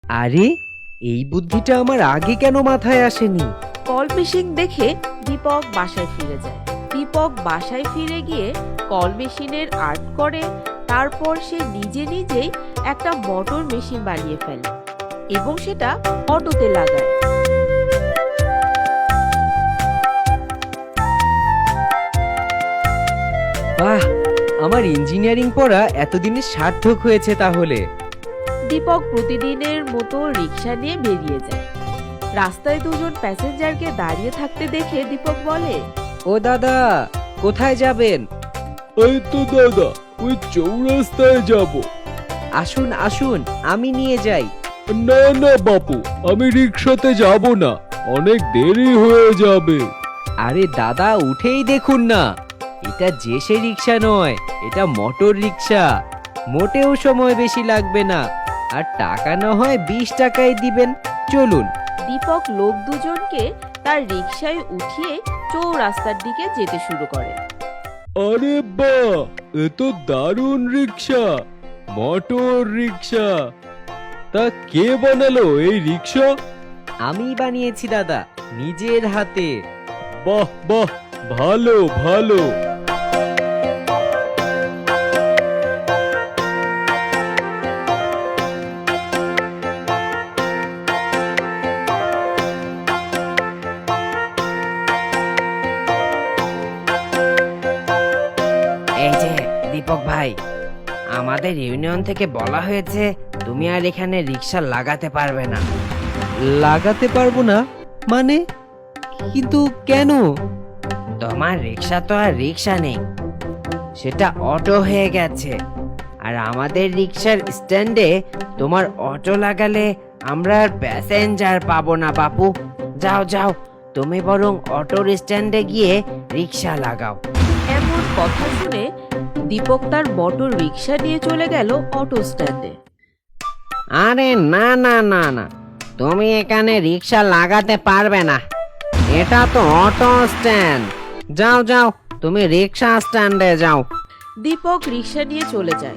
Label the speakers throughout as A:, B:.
A: আরে, এই বুদ্ধিটা আমার আগে কেন মাথায় আসেনি?
B: কল মেশিন দেখে দীপক বাসায় ফিরে যায়। দীপক বাসায় ফিরে গিয়ে কল মেশিনের আর্ট করে, তারপর সে নিজে নিজেই একটা মোটর মেশিন বানিয়ে ফেলে এবং সেটা অটোতে লাগায়।
A: বাহ, আমার ইঞ্জিনিয়ারিং পড়া এতদিনে সার্থক হয়েছে তাহলে।
B: দীপক প্রতিদিনের মতো রিক্সা নিয়ে বেরিয়ে যায়। রাস্তায় দুজন প্যাসেঞ্জারকে দাঁড়িয়ে থাকতে দেখে দীপক বলে,
A: ও দাদা, কোথায় যাবেন?
C: এই তো দাদা, ওই চৌরাস্তায় যাব।
A: আসুন আসুন, আমি নিয়ে যাই।
C: না না বাপু, আমি রিক্সাতে যাব না, অনেক দেরি হয়ে যাবে।
A: আরে দাদা, উঠেই দেখুন না, এটা যে সে রিক্সা নয়, এটা মোটর রিক্সা। মোটেও সময় বেশি লাগবে না, আর টাকা না হয় 20 টাকাই দিবেন। চলুন।
B: দীপক লোক দুজনকে তার রিক্সায় উঠিয়ে চৌরাস্তার দিকে যেতে শুরু করে।
C: আরে বাহ, এ তো দারুণ রিক্সা, মোটর রিক্সা। তা কে বানালো এই রিক্সা?
A: আমি বানিয়েছি দাদা, নিজের হাতে।
C: বাহ বাহ, ভালো ভালো।
D: এই যে দীপক ভাই, আমাদের ইউনিয়ন থেকে বলা হয়েছে তুমি আর এখানে রিক্সা লাগাতে পারবে না।
A: লাগাতে পারবো না মানে? কিন্তু কেন?
D: তোমার রিক্সা তো আর রিক্সা নেই, সেটা অটো হয়ে গেছে। আর আমাদের রিক্সার স্ট্যান্ডে তোমার অটো লাগালে আমরা আর প্যাসেঞ্জার পাবো না বাপু। যাও যাও, তুমি বরং অটোর স্ট্যান্ডে গিয়ে রিক্সা লাগাও।
B: এমন কথা শুনে দীপক তার মোটর রিক্সা নিয়ে চলে গেল অটো স্ট্যান্ডে।
D: আরে না না না না, তুমি এখানে রিক্সা লাগাতে পারবে না, এটা তো অটো স্ট্যান্ড। যাও যাও, তুমি রিক্সা স্ট্যান্ডে যাও।
B: দীপক রিক্সা নিয়ে চলে যায়।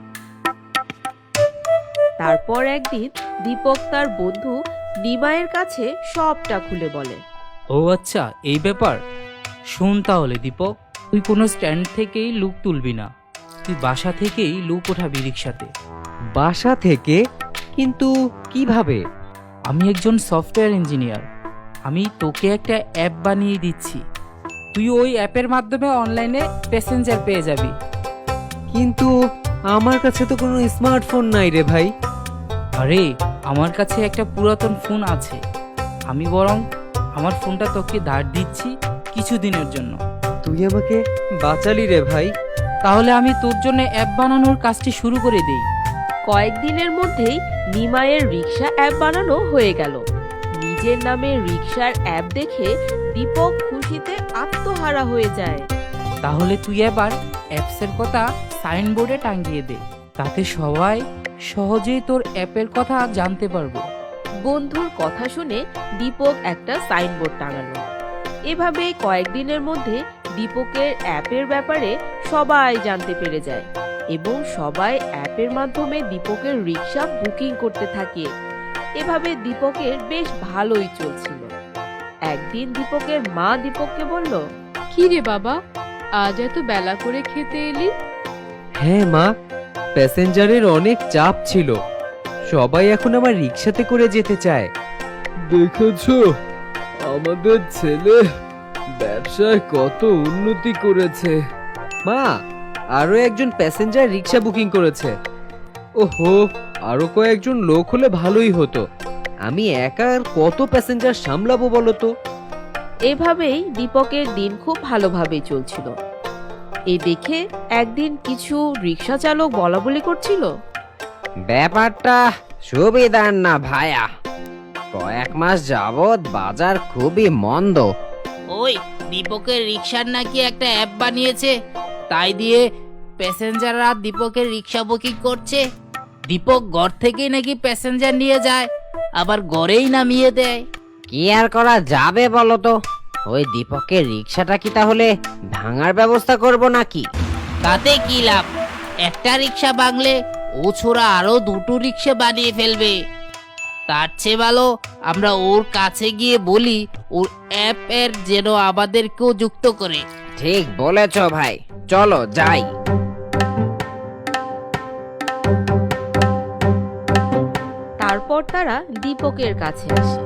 B: তারপর একদিন দীপক তার বন্ধু নিমাইয়ের কাছে সবটা খুলে বলে।
E: ও আচ্ছা, এই ব্যাপার। শোন তাহলে দীপক, তুই কোনো স্ট্যান্ড থেকেই লুক তুলবি না, তুই বাসা থেকেই লুক ওঠাবি রিক্সাতে।
A: বাসা থেকে? কিন্তু কিভাবে?
E: আমি একজন সফটওয়্যার ইঞ্জিনিয়ার, আমি তোকে একটা অ্যাপ বানিয়ে দিচ্ছি, তুই ওই অ্যাপের মাধ্যমে অনলাইনে প্যাসেঞ্জার পেয়ে যাবি।
A: কিন্তু আমার কাছে তো কোনো স্মার্টফোন নাই রে ভাই।
E: আরে, আমার কাছে একটা পুরাতন ফোন আছে, আমি বরং আমার ফোনটা তোকে ধার দিচ্ছি কিছুদিনের জন্য।
A: তুই আমাকে বাঁচালি রে ভাই।
E: তাহলে আমি তোর জন্য অ্যাপ বানানোর কাজটি শুরু করে দিই।
B: কয়েকদিনের মধ্যেই নিমাইয়ের রিক্সা অ্যাপ বানানো হয়ে গেল। নিজের নামে রিক্সার অ্যাপ দেখে দীপক খুশিতে আত্মহারা হয়ে যায়।
E: তাহলে তুই এবার অ্যাপসের কথা সাইনবোর্ডে টাঙিয়ে দে, তাতে সবাই সহজেই তোর অ্যাপের কথা জানতে পারবে।
B: বন্ধুর কথা শুনে দীপক একটা সাইনবোর্ড টাঙালো। এভাবেই কয়েকদিনের মধ্যে দীপকের অ্যাপের ব্যাপারে সবাই জানতে পেরে যায় এবং সবাই অ্যাপের মাধ্যমে দীপকের রিক্সা বুকিং করতে থাকে। এভাবে দীপকের বেশ ভালোই চলছিল। একদিন দীপকের মা দীপককে বলল,
F: কি রে বাবা, আজ এত বেলা করে খেতে এলি?
A: হ্যাঁ মা, প্যাসেঞ্জারের অনেক চাপ ছিল, সবাই এখন আমার রিক্সাতে করে যেতে চায়।
C: দেখেছো, আমাদের ছেলে ব্যবসায় কত উন্নতি করেছে।
A: মা, আরো একজন প্যাসেঞ্জার রিক্সা বুকিং করেছে। ওহো, আরো কয়েকজন লোক হলে ভালোই হতো, আমি একা আর কত প্যাসেঞ্জার সামলাবো বলো তো।
B: এভাবেই দীপকের দিন খুব ভালোভাবেই চলছিল। এ দেখে একদিন কিছু রিক্সা চালক বলা বলি করছিল,
D: ব্যাপারটা সুবিধার না ভায়া, কয়েক মাস যাবৎ বাজার খুবই মন্দ।
G: ওই দীপকের রিক্সার নাকি একটা অ্যাপ বানিয়েছে, তাই দিয়ে প্যাসেঞ্জাররা দীপকের রিক্সা বুকিং করছে। দীপক ঘর থেকেই নাকি প্যাসেঞ্জার নিয়ে যায়, আবার ঘরেই নামিয়ে দেয়।
D: কি আর করা যাবে বলো তো, ওই দীপকের রিক্সাটা কি তাহলে ভাঙার ব্যবস্থা করব নাকি?
G: তাতে কি লাভ, একটা রিক্সা ভাঙলে ও ছোড়া আরো দুটো রিক্সা বানিয়ে ফেলবে। তার চেয়ে ভালো আমরা ওর কাছে গিয়ে বলি ওর অ্যাপের যেন আমাদেরকেও যুক্ত করে।
D: ঠিক বলেছ ভাই, চলো যাই।
B: তারপর তারা দীপকের কাছে আসে।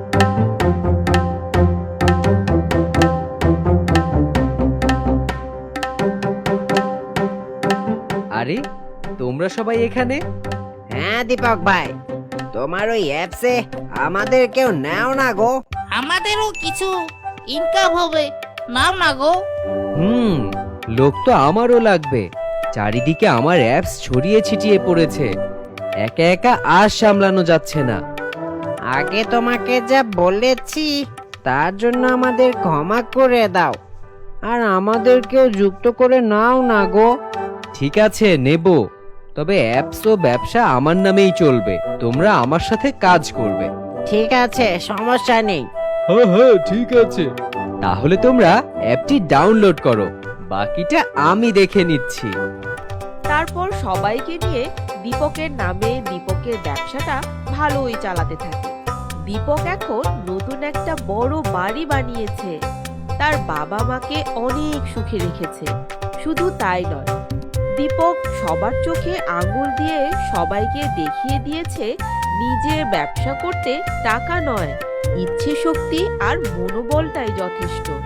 A: আরে তোমরা সবাই এখানে?
D: হ্যাঁ দীপক ভাই, তোমার ওই অ্যাপসে আমাদের কেউ নাও না গো।
G: আমাদেরও কিছু ইনকাম হবে, নাও না গো।
A: লোক তো আমারও লাগবে। চারিদিকে আমার অ্যাপস ছড়িয়ে ছিটিয়ে পড়েছে, একা একা আর সামলানো যাচ্ছে না।
D: আগে তোমাকে যা বলেছি তার জন্য আমাদের ক্ষমা করে দাও, আর আমাদেরকেও যুক্ত করে নাও না গো।
A: ঠিক আছে, নেব। তবে অ্যাপস ও ব্যবসা আমার নামেই চলবে, তোমরা আমার সাথে কাজ করবে।
D: ঠিক আছে, সমস্যা নেই।
C: হ্যাঁ হ্যাঁ ঠিক আছে।
A: তাহলে তোমরা অ্যাপটি ডাউনলোড করো, বাকিটা আমি দেখে নিচ্ছি।
B: তারপর সবাইকে নিয়ে দীপকের নামে দীপকের ব্যবসাটা ভালোই চালাতে থাকে। দীপক এখন নতুন একটা বড় বাড়ি বানিয়েছে, তার বাবা মাকে অনেক সুখে রেখেছে। শুধু তাই নয়, দীপক সবার চোখে আঙুল দিয়ে সবাইকে দেখিয়ে দিয়েছে নিজের ব্যবসা করতে টাকা নয়, ইচ্ছে শক্তি আর মনোবলটাই যথেষ্ট।